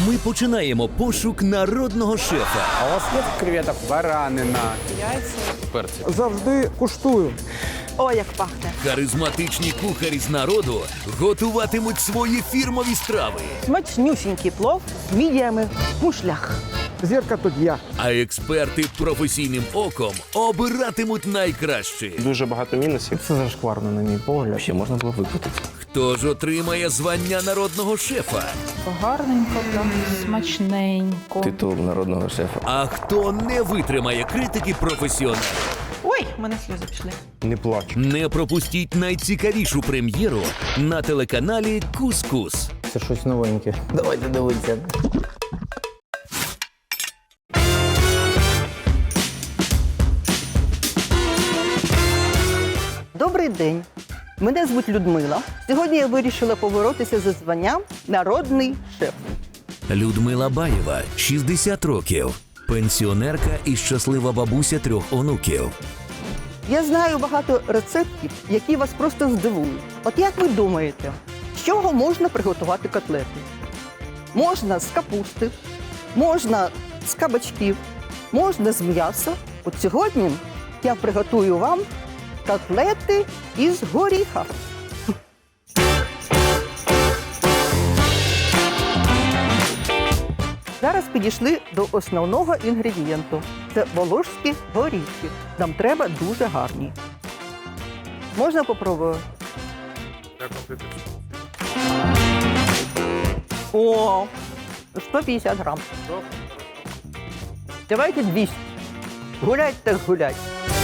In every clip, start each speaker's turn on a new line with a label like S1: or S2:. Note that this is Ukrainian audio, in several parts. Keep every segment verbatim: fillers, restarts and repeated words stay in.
S1: Ми починаємо пошук народного шефа.
S2: А у вас є креветок? Баранина.
S3: Завжди куштую.
S4: Ой, як пахне.
S1: Харизматичні кухарі з народу готуватимуть свої фірмові страви.
S4: Смачнюсінький плов з мідіями в мушлях.
S3: Зірка тут я.
S1: А експерти професійним оком обиратимуть найкраще.
S5: Дуже багато мінусів.
S3: Це зашкварно, на мій погляд.
S5: Ще можна було викрутити.
S1: Хто ж отримає звання народного шефа?
S6: Гарненько, прям смачненько.
S5: Титул народного шефа.
S1: А хто не витримає критики професіоналів?
S4: Ой, в мене сльози пішли.
S5: Не плач.
S1: Не пропустіть найцікавішу прем'єру на телеканалі Кус-Кус.
S3: Це щось новеньке. Давайте дивитися.
S4: Добрий день. Мене звуть Людмила. Сьогодні я вирішила поборотися за званням «Народний шеф».
S1: Людмила Баєва, шістдесят років. Пенсіонерка і щаслива бабуся трьох онуків.
S4: Я знаю багато рецептів, які вас просто здивують. От як ви думаєте, з чого можна приготувати котлети? Можна з капусти, можна з кабачків, можна з м'яса. От сьогодні я приготую вам котлети із горіха. Зараз підійшли до основного інгредієнту. Це волошські горіхи. Нам треба дуже гарні. Можна попробувати? О, сто п'ятдесят грам. Давайте двісті. Гулять так гулять.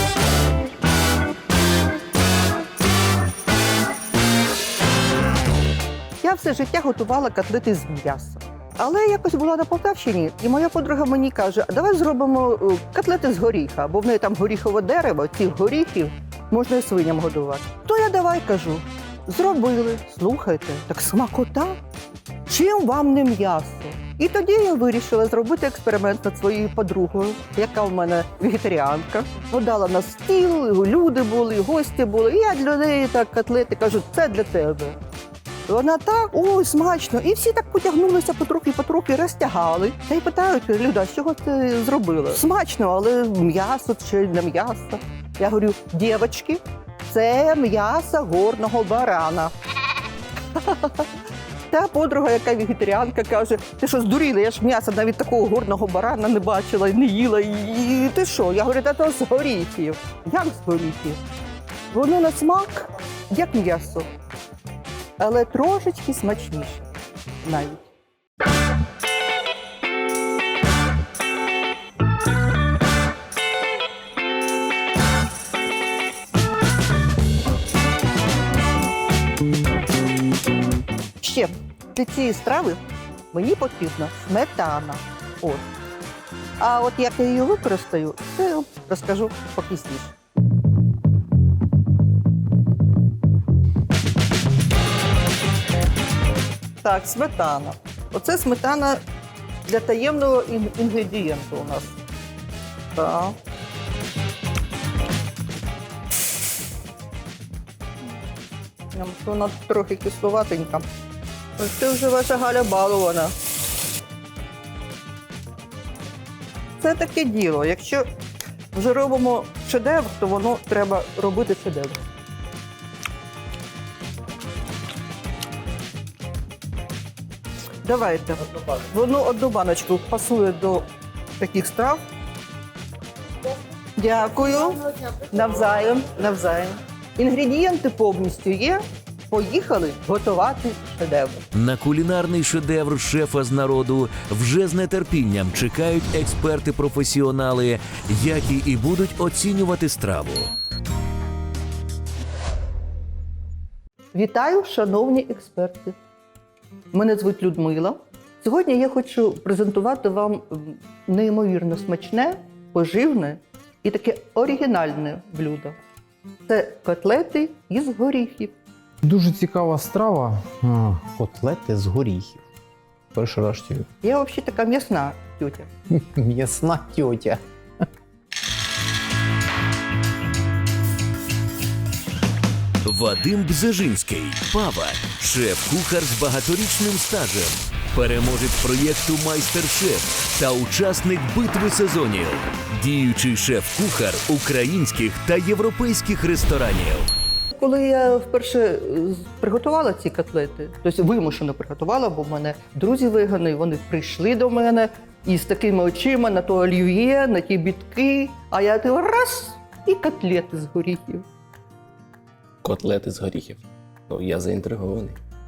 S4: Я все життя готувала котлети з м'яса. Але якось була на Полтавщині, і моя подруга мені каже, а давай зробимо е, котлети з горіха, бо в неї там горіхове дерево, цих горіхів можна і свиням годувати. То я давай кажу, зробили, слухайте, так смакота, чим вам не м'ясо? І тоді я вирішила зробити експеримент над своєю подругою, яка в мене вегетаріанка. Подала на стіл, люди були, гості були, і я для неї так котлети кажу, це для тебе. Вона так, ой, смачно. І всі так потягнулися потрохи-потрохи, розтягали. Та й питають, Люда, з чого ти зробила? Смачно, але м'ясо чи не м'ясо? Я говорю, дівчатки, це м'ясо горного барана. Та подруга, яка вегетаріанка, каже, ти що, здуріла, я ж м'яса навіть такого горного барана не бачила, не їла. І ти що? Я говорю, та то з горіхів. Як з горіхів? Воно на смак, як м'ясо. Але трошечки смачніше навіть. Ще для цієї страви мені потрібна сметана. От. А от як я її використаю, це я розкажу попізніше. Так, сметана. Оце сметана для таємного ін- інгредієнту у нас. Так. Ям, Вона трохи кисловатенька. Ось це вже ваша Галя балована. Це таке діло. Якщо вже робимо шедевр, то воно треба робити шедевр. Давайте. Воно одну баночку пасує до таких страв. Дякую. Навзаєм, навзаєм. Інгредієнти повністю є. Поїхали готувати шедевр.
S1: На кулінарний шедевр шефа з народу вже з нетерпінням чекають експерти-професіонали, які і будуть оцінювати страву.
S4: Вітаю, шановні експерти. Мене звуть Людмила. Сьогодні я хочу презентувати вам неймовірно смачне, поживне і таке оригінальне блюдо. Це котлети із горіхів.
S3: Дуже цікава страва. А, котлети з горіхів. Перший раз чую.
S4: Я взагалі така м'ясна тютя.
S3: М'ясна тьотя.
S1: Вадим Бзежинський, Пава, шеф-кухар з багаторічним стажем. переможець проєкту «Майстер-шеф» та учасник битви сезонів, діючий шеф-кухар українських та європейських ресторанів.
S4: Коли я вперше е, приготувала ці котлети, тобто вимушено приготувала, бо в мене друзі вегани, вони прийшли до мене із такими очима на то олів'є, на ті бітки, а я ти раз і котлети з горіхів.
S5: Котлети з горіхів. Ну, я заінтригований.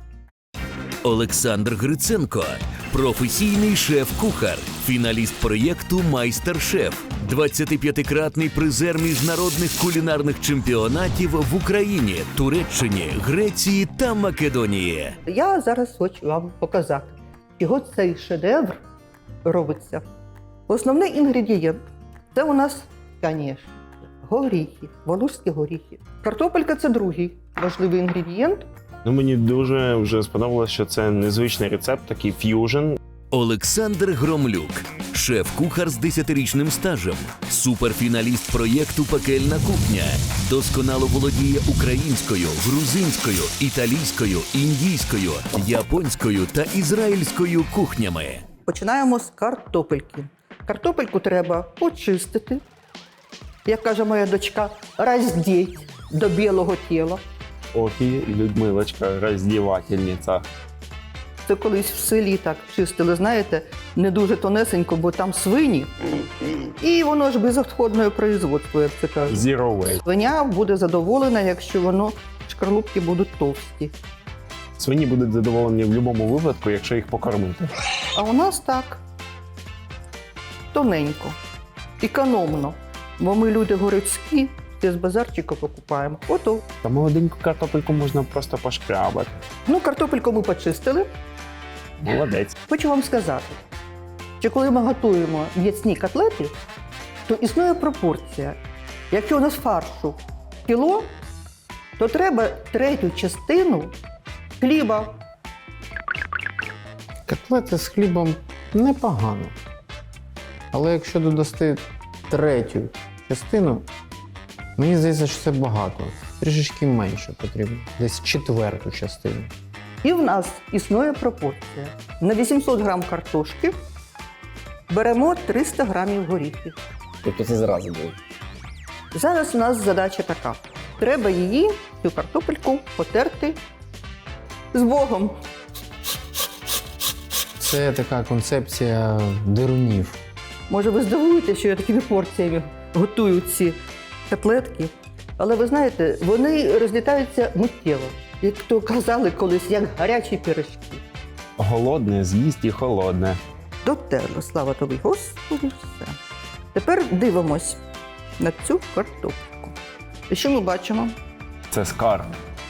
S1: Олександр Гриценко – професійний шеф-кухар, фіналіст проєкту «Майстер-шеф», двадцятип'ятикратний призер міжнародних кулінарних чемпіонатів в Україні, Туреччині, Греції та Македонії.
S4: Я зараз хочу вам показати, чого цей шедевр робиться. Основний інгредієнт – це у нас, звісно, горіхи, волошські горіхи. Картопелька – це другий важливий інгредієнт.
S7: Ну, мені дуже вже сподобалось, що це незвичний рецепт, такий ф'южн.
S1: Олександр Громлюк – шеф-кухар з десятирічним стажем, суперфіналіст проєкту «Пекельна кухня», досконало володіє українською, грузинською, італійською, індійською, японською та ізраїльською кухнями.
S4: Починаємо з картопельки. Картопельку треба почистити, як каже моя дочка, роздіть до білого тіла.
S7: Ох, і Людмилочка, роздівательниця.
S4: Це колись в селі так чистили, знаєте, не дуже тонесенько, бо там свині. І воно ж безотходне производство, як це кажуть.
S7: Zero waste.
S4: Свиня буде задоволена, якщо воно шкарлупки будуть товсті.
S7: Свині будуть задоволені в будь-якому випадку, якщо їх покормити.
S4: А у нас так тоненько, економно. Бо ми люди городські, з базарчика покупаємо. Ото.
S7: Та молоденьку картопельку можна просто пошкрябати.
S4: Ну, картопельку ми почистили.
S7: Молодець.
S4: Хочу вам сказати, що коли ми готуємо м'ясні котлети, то існує пропорція. Якщо у нас фаршу кіло, то треба третю частину хліба.
S3: Котлети з хлібом непогано. Але якщо додасти третю частину, мені здається, що це багато. Трішечки менше потрібно. Десь четверту частину.
S4: І в нас існує пропорція. На вісімсот грам картошки беремо триста грамів горіхів.
S5: Тобто це зразу буде.
S4: Зараз у нас задача така. Треба її, цю картопельку, потерти з Богом.
S3: Це така концепція дирунів.
S4: Може, ви здивуєте, що я такими порціями готую ці котлетки. Але ви знаєте, вони розлітаються миттєво. Як то казали колись, як гарячі пиріжки.
S7: Голодне з'їсть і холодне.
S4: Дотерло, слава тобі, Господи, все. Тепер дивимось на цю картопельку. І що ми бачимо?
S7: Це скарб.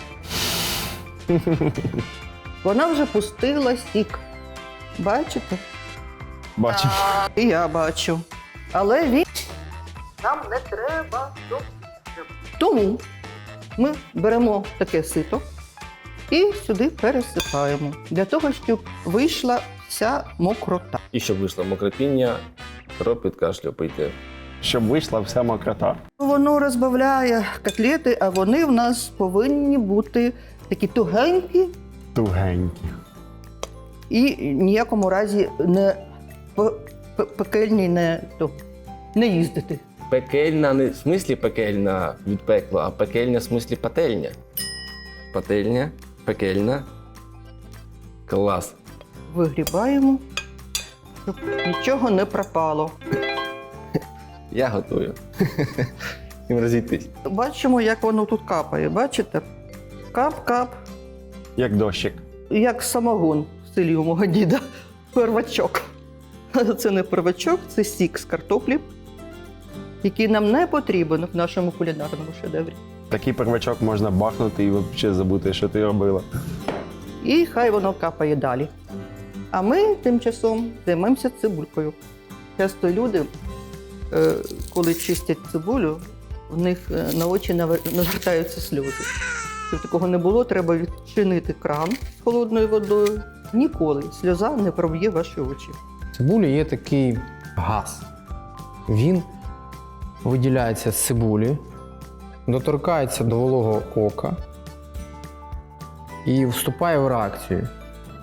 S4: Вона вже пустила сік. Бачите?
S7: Бачимо.
S4: І я бачу. Але він нам не треба. Тому ми беремо таке сито і сюди пересипаємо, для того, щоб вийшла вся мокрота.
S5: І щоб вийшло мокропіння, кров від кашлю пийте.
S7: Щоб вийшла вся мокрота.
S4: Воно розбавляє котлети, а вони в нас повинні бути такі тугенькі
S7: Тугенькі.
S4: і ніякому разі не п- п- пекельні, не, то, не їздити.
S5: Пекельна не в смислі пекельна від пекла, а пекельня в смислі пательня. Пательня, пекельна. Клас.
S4: Вигрібаємо, щоб нічого не пропало.
S5: Я готую. Їм розійтись.
S4: Бачимо, як воно тут капає. Бачите? Кап-кап,
S7: Як дощик.
S4: як самогон в селі у мого діда. Первачок. Це не первачок, це сік з картоплі, який нам не потрібен в нашому кулінарному шедеврі.
S7: Такий первачок можна бахнути і взагалі забути, що ти робила.
S4: І хай воно капає далі. А ми тим часом займемося цибулькою. Часто люди, е, коли чистять цибулю, в них е, на очі навер- навертаються сльози. Щоб такого не було, треба відчинити кран з холодною водою. Ніколи сльоза не проб'є ваші очі.
S3: В цибулі є такий газ. Він виділяється з цибулі, доторкається до вологого ока і вступає в реакцію.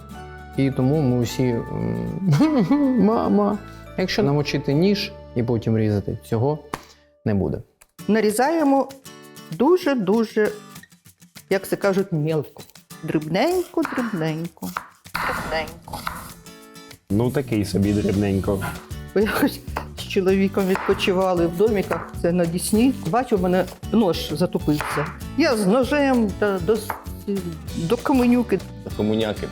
S3: І тому ми всі м, мама. Якщо намочити ніж і потім різати, цього не буде.
S4: Нарізаємо дуже-дуже, як це кажуть, мілко. Дрібненько, дрібненько. Дрібненько.
S7: Ну такий собі дрібненько.
S4: Бо якось з чоловіком відпочивали в доміках, це на Дісні. Бачу, в мене нож затупився. Я з ножем та до, до каменюки.
S5: Комуняки.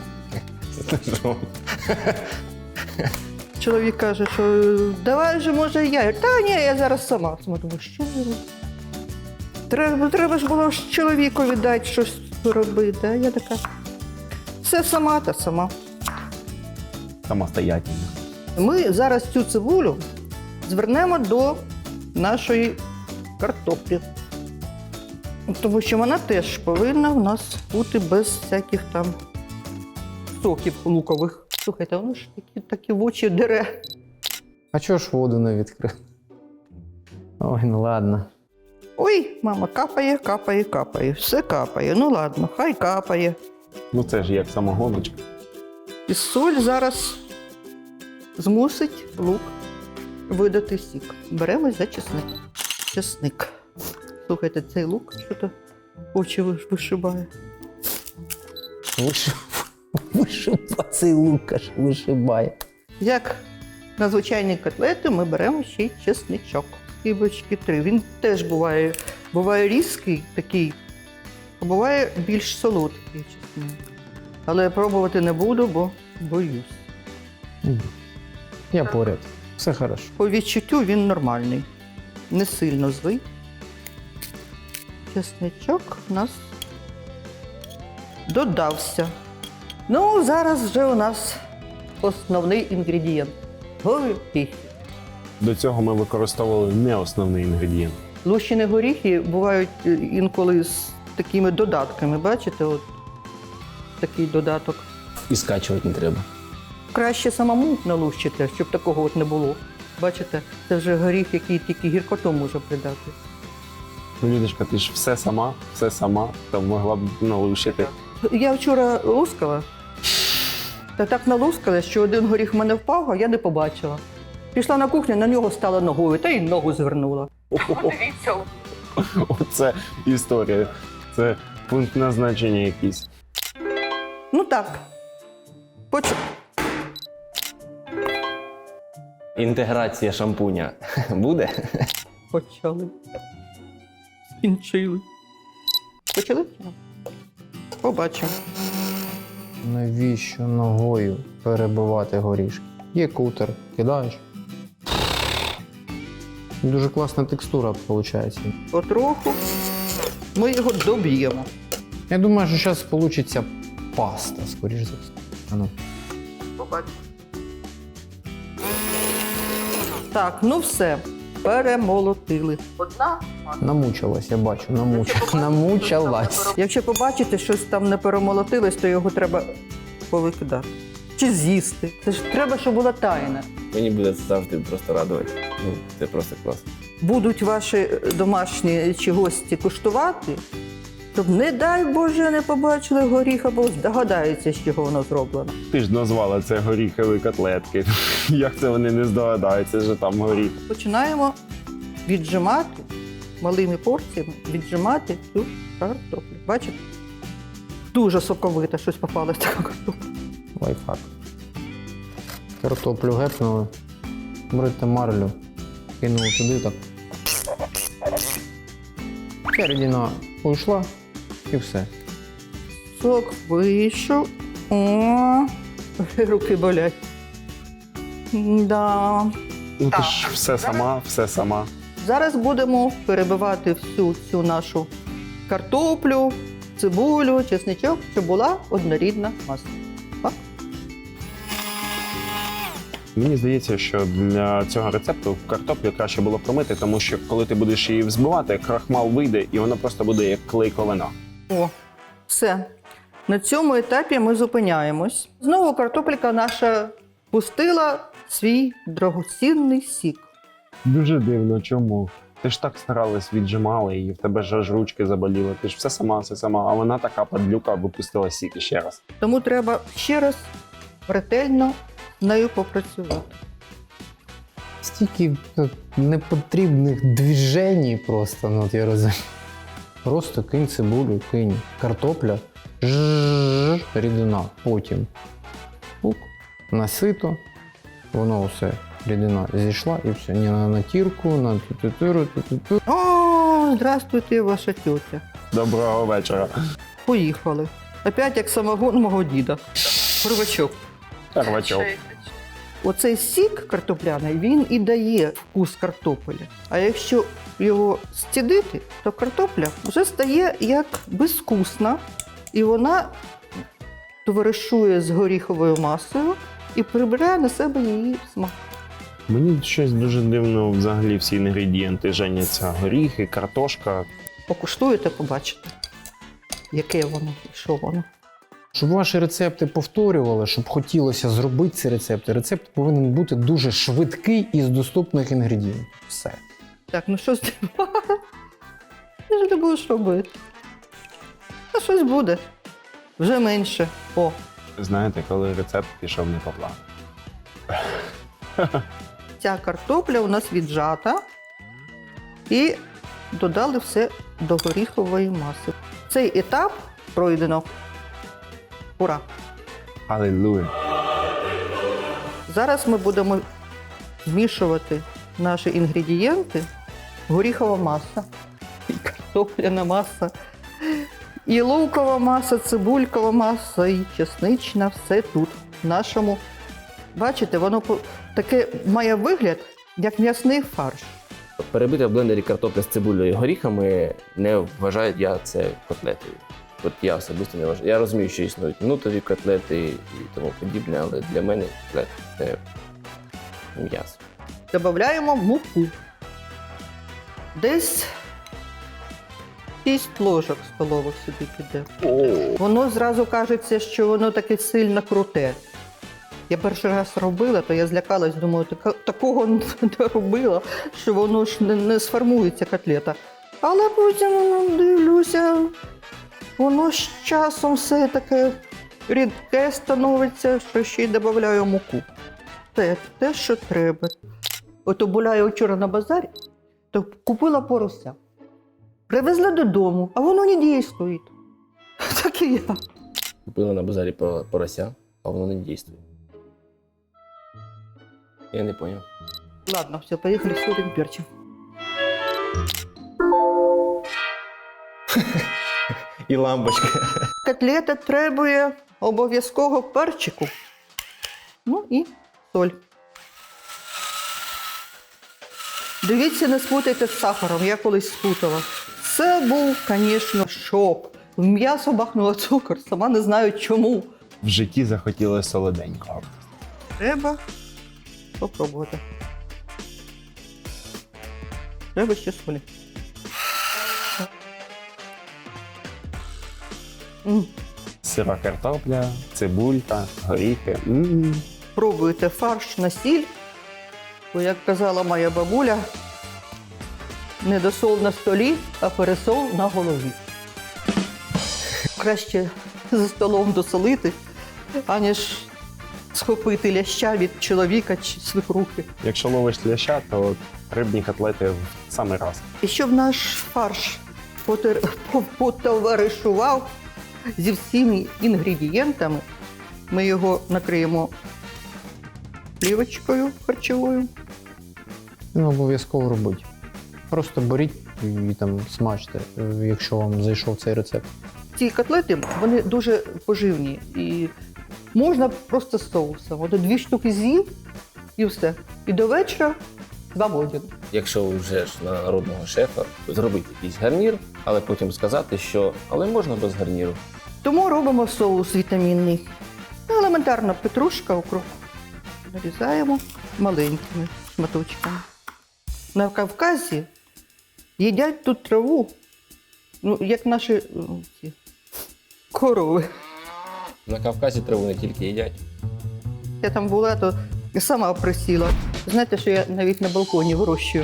S4: Чоловік каже, що давай же, може, я. Я, Та ні, я зараз сама. Я думаю, що я роблю? Треба, треба ж було ж чоловікові дати щось робити. А я така, все сама та сама.
S7: Самостоятельно.
S4: Ми зараз цю цибулю звернемо до нашої картоплі. Тому що вона теж повинна в нас бути без всяких там соків лукових. Слухайте, воно ж такі, такі в очі дере.
S3: А чого ж воду не відкрив? Ой, ну ладно.
S4: Ой, мама, капає, капає, капає. Все капає. Ну ладно, хай капає.
S7: Ну це ж як самогоночка.
S4: І соль зараз змусить лук видати сік. Беремось за чесник. Чесник. Слухайте, цей лук що-то очі виш- вишибає.
S3: Вишибає цей лук, аж вишибає.
S4: Як на звичайні котлети ми беремо ще й чесничок. Скибочки три. Він теж буває, буває різкий такий, а буває більш солодкий чесник. Але я пробувати не буду, бо боюсь.
S3: Я поряд. Все хорошо.
S4: По відчуттю він нормальний. Не сильно злий. Чесничок у нас додався. Ну, зараз вже у нас основний інгредієнт. Горіхи.
S7: До цього ми використовували не основний інгредієнт.
S4: Лущені горіхи бувають е, інколи з такими додатками. Бачите, от такий додаток.
S5: І скачувати не треба.
S4: Краще самому налущити, щоб такого от не було. Бачите, це вже горіх, який тільки гіркоту може придати.
S7: Ну, Людочка, ти ж все сама, все сама, там могла б налущити.
S4: Я вчора лускала, та так налускала, що один горіх в мене впав, а я не побачила. Пішла на кухню, на нього стала ногою, та й ногу звернула. Подивіться.
S7: Оце історія. Це пункт назначення якийсь.
S4: Ну так. Поч...
S5: Інтеграція шампуня буде?
S4: Почали. Скінчили. Почали? чи ні? Побачимо.
S3: Навіщо ногою перебивати горішки? Є кутер, кидаєш. Дуже класна текстура виходить.
S4: Потроху ми його доб'ємо.
S3: Я думаю, що зараз вийде паста, скоріш за все. А ну.
S4: Побачимо. Так, ну все. Перемолотили. Одна.
S3: Намучилась, я бачу, намуч... намучилась.
S4: Якщо побачите, щось там не перемолотилось, то його треба повикидати. Чи з'їсти. Це ж треба, щоб була тайна.
S5: Мені буде це завжди просто радувати. Ну, це просто класно.
S4: Будуть ваші домашні чи гості куштувати, щоб, не дай Боже, не побачили горіх або здогадаються, з чого воно зроблено.
S7: Ти ж назвала це горіхові котлетки. Як це вони не здогадаються, що там горіх?
S4: Починаємо віджимати, малими порціями віджимати цю картоплю. Бачите? Дуже соковита, щось попалось така картопля.
S3: Лайфхак. Картоплю гепнули, берете марлю, кинули туди так. Середина уйшла і все.
S4: Сок вийшов. О, руки болять. Да.
S7: Ну ти ж все сама, все сама.
S4: Зараз будемо перебивати всю цю нашу картоплю, цибулю, чесничок, щоб була однорідна маса. Так?
S7: Мені здається, що для цього рецепту картоплю краще було промити, тому що коли ти будеш її взбивати, крахмал вийде і воно просто буде як клейковина.
S4: О, все. На цьому етапі ми зупиняємось. Знову картопелька наша пустила свій дорогоцінний сік.
S7: Дуже дивно, чому? Ти ж так старалась, віджимала її, в тебе ж аж ручки заболіли. Ти ж все сама, все сама, а вона така падлюка випустила сік ще раз.
S4: Тому треба ще раз ретельно з нею попрацювати.
S3: Стільки ну, непотрібних движень просто, ну от я розумію. Просто кинь цибулю, кинь картопля, жжж, рідина. Потім пук, насито, воно все, рідина зійшла і все. Не на натірку, на ту-ту-туру, ту-ту-ту.
S4: О, здравствуйте, ваша тьотя.
S7: Доброго вечора.
S4: Поїхали. Опять як самогон мого діда. Первачок.
S7: Первачок.
S4: Оцей сік картопляний, він і дає вкус картоплі. А якщо його стідити, то картопля вже стає як безвкусна, і вона товаришує з горіховою масою і прибирає на себе її смак.
S7: Мені щось дуже дивно взагалі всі інгредієнти женяться. Горіхи, картошка.
S4: Покуштуєте, побачите, яке воно і що воно.
S3: Щоб ваші рецепти повторювали, щоб хотілося зробити ці рецепти, рецепт повинен бути дуже швидкий і з доступних інгредієнтів. Все.
S4: Так, ну що з тим? Що ти будеш робити? А щось буде. Вже менше. О,
S7: Знаєте, коли рецепт пішов не по плану.
S4: ця картопля у нас віджата. І додали все до горіхової маси. Цей етап пройдено. Ура!
S7: Алілуя.
S4: Зараз ми будемо змішувати наші інгредієнти. Горіхова маса, і картопляна маса, і лукова маса, цибулькова маса, і чеснична. Все тут, в нашому. Бачите, воно по- таке має вигляд, як м'ясний фарш.
S5: Перебити в блендері картопля з цибулею і горіхами не вважаю я це котлетою. От я особисто не вважаю. Я розумію, що існують нутові котлети і тому подібне, але для мене котлет – це м'ясо.
S4: Добавляємо муку. Десь шість ложок столових сюди піде. Воно зразу кажеться, що воно таке сильно круте. Я перший раз робила, то я злякалась, думаю, «Така- такого не робила, що воно ж не, не сформується котлета. Але потім ну, дивлюся, воно з часом все таке рідке становиться, що ще й додаю муку. Це те, що треба. Ото була я вчора на базарі, то купила порося. Привезла додому, а воно не дійствує. Так і я.
S5: Купила на базарі по- порося, а воно не дійствує. Я не зрозумів.
S4: Ладно, все, поїхали з солим перчим.
S5: І лампочка.
S4: Котлета требує обов'язково перчику. Ну і соль. Дивіться, не спутайте з сахаром, я колись спутала. Це був, звісно, шок. В м'ясо бахнуло цукор, сама не знаю чому.
S7: В житті захотілося солоденького.
S4: Треба попробувати. Треба ще солі. М.
S7: Сира картопля, цибулька, горіхи. М-м.
S4: Пробуйте фарш на сіль, бо, як казала моя бабуля, не досол на столі, а пересол на голові. Краще за столом досолити, аніж схопити ляща від чоловіка чи свекрухи.
S7: Якщо ловиш ляща, то рибні котлети в самий раз.
S4: І щоб наш фарш потер- по- потоваришував зі всіми інгредієнтами, ми його накриємо плівочкою харчовою.
S3: Не обов'язково робити. Просто беріть і там смажте, е, якщо вам зайшов цей рецепт.
S4: Ці котлети, вони дуже поживні. І можна просто з соусом. От дві штуки з'їв і все. І до вечора свободен.
S5: Якщо вже ж на народного шефа, зробити якийсь гарнір, але потім сказати, що але можна без гарніру.
S4: Тому робимо соус вітамінний. Елементарно петрушка, укроп. Нарізаємо маленькими шматочками. На Кавказі їдять тут траву, ну, як наші е, ці, корови.
S5: На Кавказі траву не тільки їдять.
S4: Я там була, то сама присіла. Знаєте, що я навіть на балконі вирощую.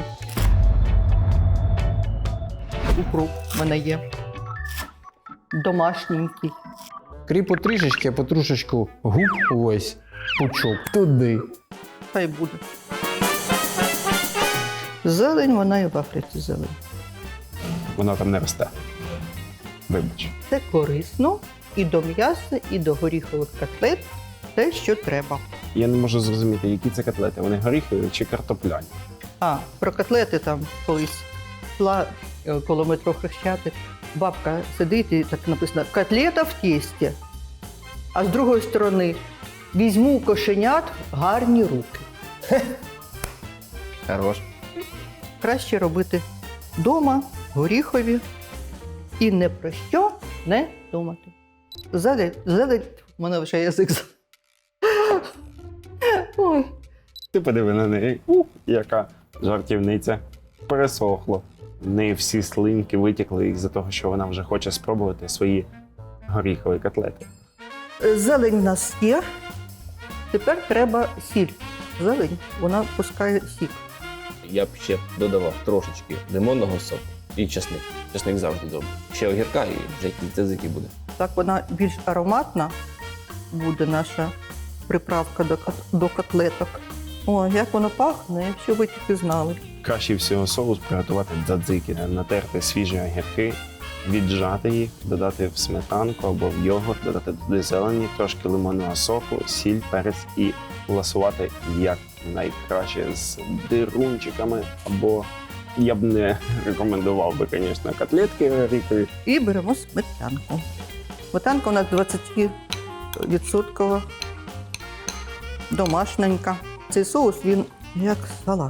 S4: Укроп в мене є. Домашненький.
S3: Кріпу трішечки, а потрошечку губ ось. пучок туди.
S4: Хай буде. Зелень, вона і в Африці зелень.
S7: Вона там не росте. Вибач.
S4: Це корисно і до м'яса, і до горіхових котлет. Те, що треба.
S7: Я не можу зрозуміти, які це котлети. Вони горіхові чи картопляні?
S4: А, про котлети там колись йшла е, коло метро Хрещатик. Бабка сидить і так написано «Котлета в тісті». А з другої сторони візьму кошенят гарні руки.
S5: Хорош.
S4: Краще робити вдома, горіхові і не про що не думати. Зелень, зелень, в мене вже язик. за- Ой.
S7: Ти подиви на неї. Ух, яка жартівниця. Пересохло. В неї всі слинки витікли із-за того, що вона вже хоче спробувати свої горіхові котлети.
S4: Зелень в нас є. Тепер треба сіль. Зелень, вона пускає сік.
S5: Я б ще додавав трошечки лимонного соку і чесник. Чесник завжди добре. Ще огірка і вже тзики буде.
S4: Так вона більш ароматна буде наша приправка до, кот- до котлеток. О, як воно пахне, якщо ви тільки знали.
S7: Краще всього соус приготувати дзадзики, натерти свіжі огірки, віджати їх, додати в сметанку або в йогурт, додати туди зелені, трошки лимонного соку, сіль, перець і ласувати як найкраще з дирунчиками. Або я б не рекомендував би, звісно, котлетки горіхові.
S4: І беремо сметанку. Сметанка у нас двадцять відсотків домашненька. Цей соус, він як салат.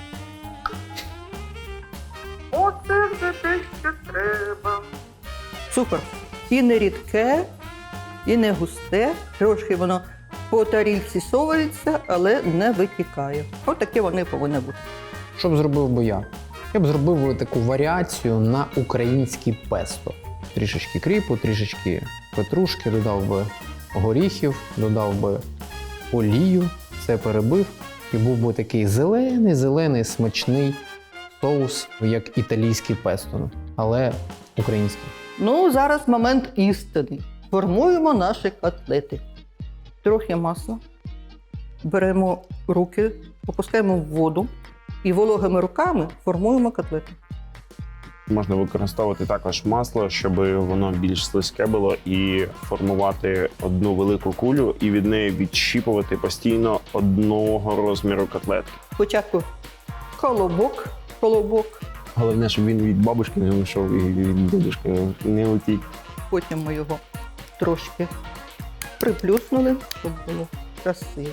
S4: Оце вже те, що треба. Супер. І не рідке, і не густе. Трошки воно по тарілці совається, але не витікає. Ось таке вони повинні бути.
S3: Що б зробив би я? Я б зробив би таку варіацію на українське песто. Трішечки кріпу, трішечки петрушки, додав би горіхів, додав би олію, все перебив. І був би такий зелений, зелений, смачний соус, як італійський песто, але український.
S4: Ну, зараз момент істини. Формуємо наші котлети. Трохи масла. Беремо руки, опускаємо в воду і вологими руками формуємо котлети.
S7: Можна використовувати також масло, щоб воно більш слизьке було, і формувати одну велику кулю і від неї відщіпувати постійно одного розміру котлетки.
S4: Спочатку колобок, колобок,
S7: Головне, щоб він від бабушки не вийшов і від дідушки не утік.
S4: потім ми його трошки приплюснули, щоб було красиво.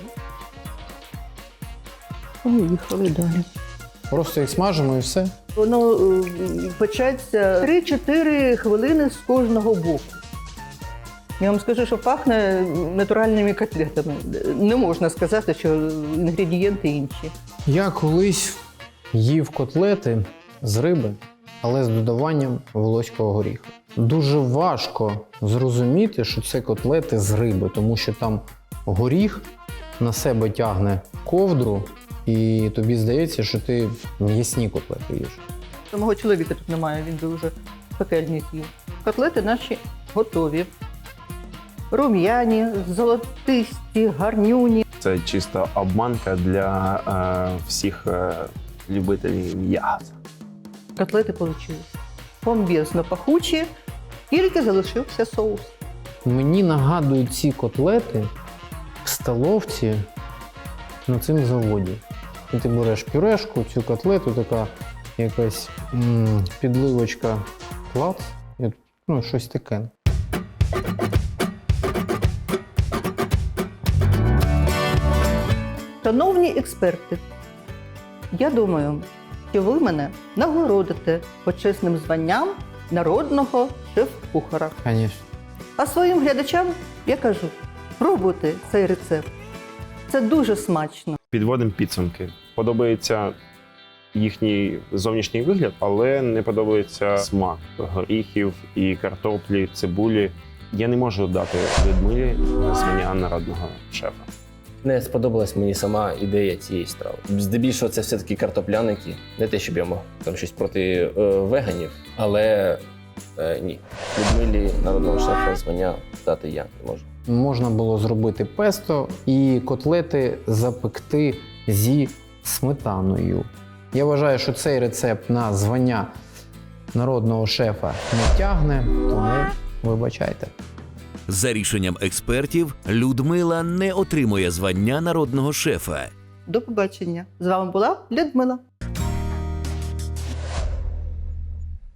S4: Поїхали далі.
S3: Просто їх смажимо і все.
S4: Воно е, печеться три-чотири хвилини з кожного боку. Я вам скажу, що пахне натуральними котлетами. Не можна сказати, що інгредієнти інші.
S3: Я колись їв котлети з риби, але з додаванням волоського горіха. Дуже важко зрозуміти, що це котлети з риби, тому що там горіх на себе тягне ковдру, і тобі здається, що ти м'ясні котлети їш.
S4: Мого чоловіка тут немає, він би вже пекельні з'їв. Котлети наші готові. Рум'яні, золотисті, гарнюні.
S7: Це чиста обманка для е, всіх е, любителів м'яса.
S4: Котлети вийшли бомбезно пахучі, тільки залишився соус.
S3: Мені нагадують ці котлети в столовці на цьому заводі. І ти береш пюрешку, цю котлету, така якась м- підливочка клац, і, ну, щось таке.
S4: Шановні експерти, я думаю, що ви мене нагородите почесним званням народного шеф-кухара.
S3: Звісно.
S4: А своїм глядачам я кажу, пробуйте цей рецепт. Це дуже смачно.
S7: Підводимо підсумки. Подобається їхній зовнішній вигляд, але не подобається смак горіхів і картоплі, цибулі. Я не можу дати Людмилі звання народного шефа.
S5: Не сподобалась мені сама ідея цієї страви. Здебільшого це все-таки картопляники. Не те, щоб я мав там щось проти е, веганів, але е, ні. Людмилі народного шефа звання дати я не можу.
S3: можна було зробити песто і котлети запекти зі сметаною. Я вважаю, що цей рецепт на звання народного шефа не тягне, тому вибачайте.
S1: За рішенням експертів, Людмила не отримує звання народного шефа.
S4: До побачення. З вами була Людмила.